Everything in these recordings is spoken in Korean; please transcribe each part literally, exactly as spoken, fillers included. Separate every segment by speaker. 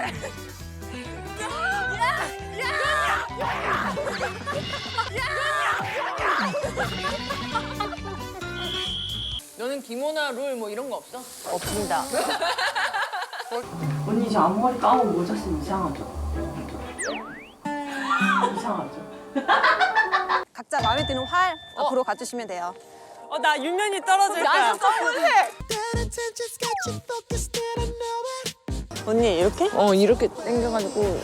Speaker 1: 너는 김오나 룰 뭐 이런 거 없어?
Speaker 2: 없습니다.
Speaker 3: 언니 저 앞머리 까고 모자 쓰면 이상하죠? 이상하죠?
Speaker 4: 각자 마음에 드는 활 앞으로 가주시면 돼요.
Speaker 2: 어, 나 유면이 떨어질 거야.
Speaker 1: 나도 써볼래.
Speaker 2: 언니 이렇게?
Speaker 1: 어 이렇게 당겨가지고.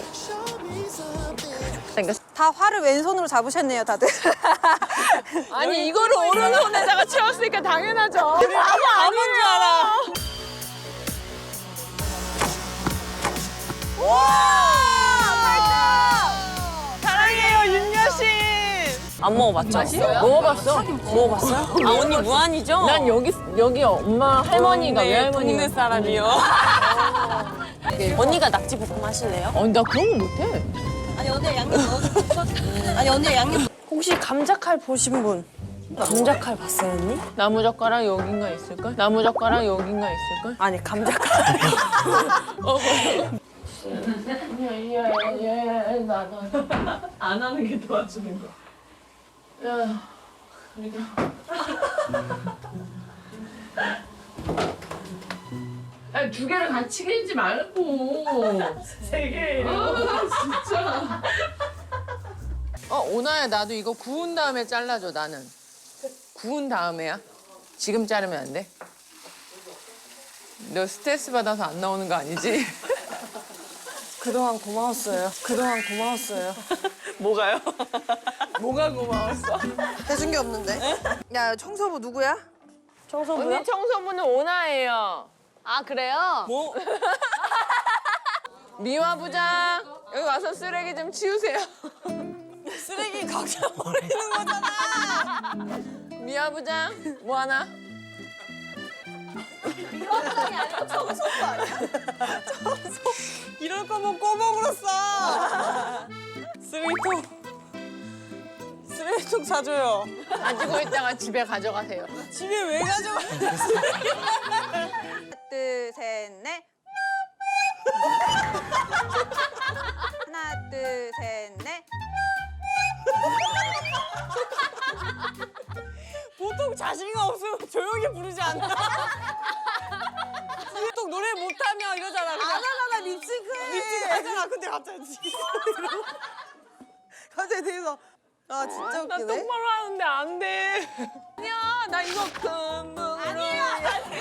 Speaker 1: 당겼어.
Speaker 4: 다 활을 왼손으로 잡으셨네요, 다들.
Speaker 1: 아니 이거를 오른손에다가 채웠으니까 당연하죠.
Speaker 2: 아무 아닌 줄 알아. 사랑해요 윤여 씨. 안 먹어봤죠?
Speaker 1: 맛있어요? 먹어봤어?
Speaker 2: 먹어봤어요? 아 언니 무한이죠?
Speaker 1: 난 여기 여기 엄마 할머니가
Speaker 2: 동네,
Speaker 1: 외할머니가.
Speaker 2: 동네 사람이요. 언니가 낙지 볶음 하실래요?
Speaker 1: 어, 나 그런 거 못해.
Speaker 4: 아니, 언니 양념 넣어서. 아니, 언니 양념.
Speaker 2: 혹시 감자칼 보신 분? 감자칼 봤어요 언니?
Speaker 1: 나무젓가락 여긴가 있을걸? 나무젓가락 여긴가 있을걸?
Speaker 2: 아니 감자칼.
Speaker 1: 어. 예예예 나도
Speaker 3: 안 하는 게 도와주는 거.
Speaker 1: 야 그러니까. 아니 두 개를 같이 길지 말고
Speaker 3: 세 개예요.
Speaker 1: 아 진짜. 어 오나야 나도 이거 구운 다음에 잘라줘 나는. 구운 다음에야? 지금 자르면 안 돼? 너 스트레스 받아서 안 나오는 거 아니지?
Speaker 2: 그동안 고마웠어요. 그동안 고마웠어요. 뭐가요?
Speaker 1: 뭐가 고마웠어?
Speaker 4: 해준 게 없는데. 야, 청소부 누구야?
Speaker 2: 청소부요?
Speaker 1: 언니 청소부는 오나예요.
Speaker 2: 아 그래요? 뭐?
Speaker 1: 미화 부장 여기 와서 쓰레기 좀 치우세요.
Speaker 2: 쓰레기 각자 버리는 거잖아.
Speaker 1: 미화 부장 뭐 하나?
Speaker 2: 이럴 거면 꼬봉으로 써. 쓰레기통. 쓰레기통 사줘요.
Speaker 1: 가지고 있다가 집에 가져가세요.
Speaker 2: 집에 왜 가져가?
Speaker 4: 하나, 둘, 셋, 넷. 하나, 둘, 셋, 넷.
Speaker 2: 보통 자신감 없으면 조용히 부르지 않나? 보통 노래 못하면 이러잖아. 그냥.
Speaker 4: 안 하잖아, 립싱크해.
Speaker 2: 립싱크 하잖아. 근데 갑자기
Speaker 4: 갑자기 뒤에서. 아, 진짜
Speaker 1: 나
Speaker 4: 웃기네.
Speaker 1: 똑바로 하는데 안 돼. 아니야 나 이거 금붕으로. 아니야.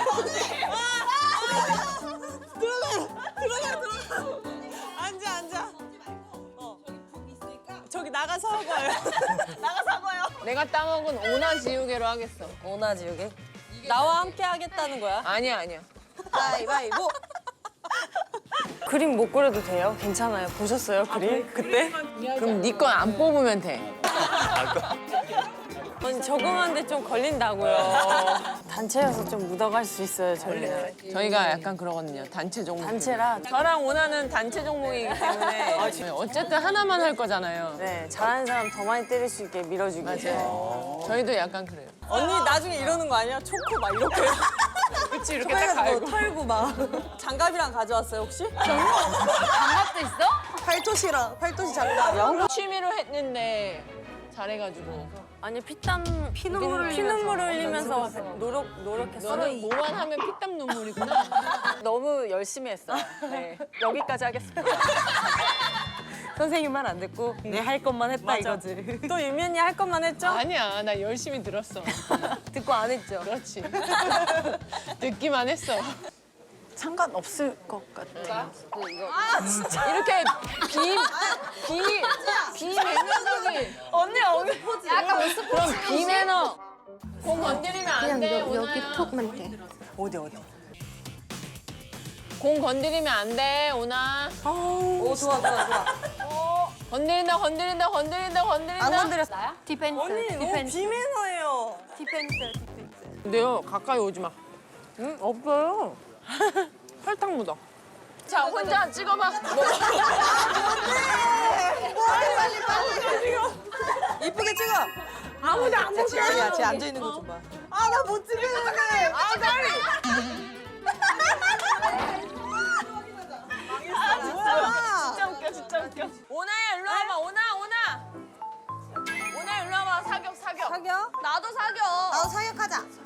Speaker 2: 들어가 들어가. 앉아 앉아. 어. 저기 나가서 하고요. 나가서 하고요.
Speaker 1: 내가 따먹은 오나 지우개로 하겠어.
Speaker 2: 오나 지우개. 나와 함께 하겠다는 거야?
Speaker 1: 아니야 아니야.
Speaker 4: 가위바위보.
Speaker 2: 그림 못 그려도 돼요? 괜찮아요. 보셨어요 그림 그때?
Speaker 1: 그럼 네 건 안 뽑으면 돼.
Speaker 2: 아니 적응하는데 좀 걸린다고요. 단체여서 좀 묻어갈 수 있어요 저희는.
Speaker 1: 저희가 약간 그러거든요. 단체 종목.
Speaker 2: 단체라.
Speaker 1: 저랑 오나는 단체 종목이기 때문에 어쨌든 하나만 할 거잖아요.
Speaker 2: 네 잘하는 사람 더 많이 때릴 수 있게 밀어주기.
Speaker 1: 맞아요. 저희도 약간 그래요.
Speaker 2: 언니 나중에 이러는 거 아니야? 초코 막 이렇게.
Speaker 1: 그치 이렇게 딱 갈고.
Speaker 2: 털고 막. 장갑이랑 가져왔어요 혹시?
Speaker 1: 장갑도 있어?
Speaker 4: 팔토시랑, 팔토시 장갑.
Speaker 1: 취미로 했는데 잘해가지고.
Speaker 2: 아니 피땀 피눈물 피눈물 흘리면서 노력 노력했어.
Speaker 1: 너는 뭐만 하면 피땀 눈물이구나.
Speaker 2: 너무 열심히 했어요. 네. 여기까지 하겠습니다. 선생님 말 안 듣고 내 할 것만 했다 이거지. 또 유면이 할 것만 했죠?
Speaker 1: 아니야 나 열심히 들었어.
Speaker 2: 듣고 안 했죠?
Speaker 1: 그렇지. 듣기만 했어.
Speaker 2: 상관없을 것 같아요.
Speaker 1: 이렇게 비, 비, 비매너적인.
Speaker 2: 언니 언니
Speaker 1: 약간 모습 그럼 비매너. 공 건드리면 안 돼,
Speaker 5: 그냥 여, 여기
Speaker 1: 오나야.
Speaker 5: 톡만 돼.
Speaker 2: 어디 어디?
Speaker 1: 공 건드리면 안 돼, 오나.
Speaker 4: 오, 좋아, 좋아, 좋아.
Speaker 1: 건드린다, 건드린다, 건드린다, 건드린다.
Speaker 4: 안 건드렸어.
Speaker 5: 디펜스,
Speaker 2: 언니 너무
Speaker 5: 디펜스,
Speaker 2: 비매너예요.
Speaker 5: 디펜스, 디펜스.
Speaker 1: 근데요, 가까이 오지 마. 응? 없어요. 설탕 묻어. 자, 혼자 찍어봐. 뭐.
Speaker 4: 이쁘게 찍어.
Speaker 1: 아무도 안 보게.
Speaker 4: 야, 쟤 앉아있는 거 좀 봐. 아, 나 못 찍겠는데.
Speaker 1: 아, 빨리.
Speaker 4: 아, 진짜.
Speaker 2: 오나야 일로 와봐. 오나 오나. 오나 일로 와봐. 사격 사격.
Speaker 4: 사겨?
Speaker 2: 나도 사격.
Speaker 4: 나도 사격하자.